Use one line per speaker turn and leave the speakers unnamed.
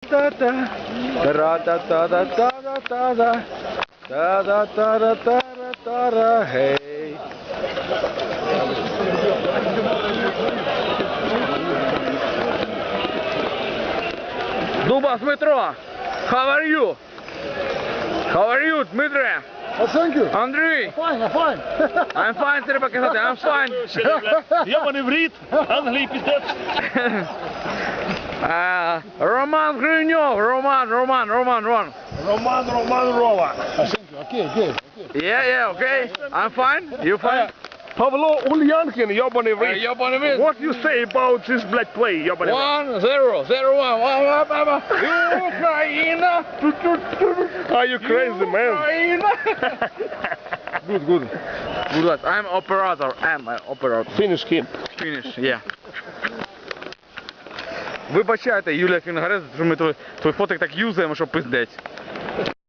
Та-да-та-та-та. Та-да-та-да-та-да-та-да. Та-да-та-да-та-да-та-да. Гей. Дубас Дмитро, how are you? How are you, Дмитре?
Thank you.
Андрій?
Fine, I'm fine.
I'm fine, треба казати, I'm fine.
Йобаний в рід, Англії піздець.
Роман Гриньов, Роман.
Роман Рова.
Okay, good.
Yeah, okay. I'm fine, you fine?
Павло Ульянкін, йобаний в рід.
Йобаний в рід.
What you say about this black play, йобаний в рід?
1-0, Україна!
Are you crazy, man?
Україна!
Good, good.
Good, I'm operator,
Finish him.
Finish, yeah. Вибачайте, Юлія Фінгарез, що ми твій фотик так юзаємо, що пиздець.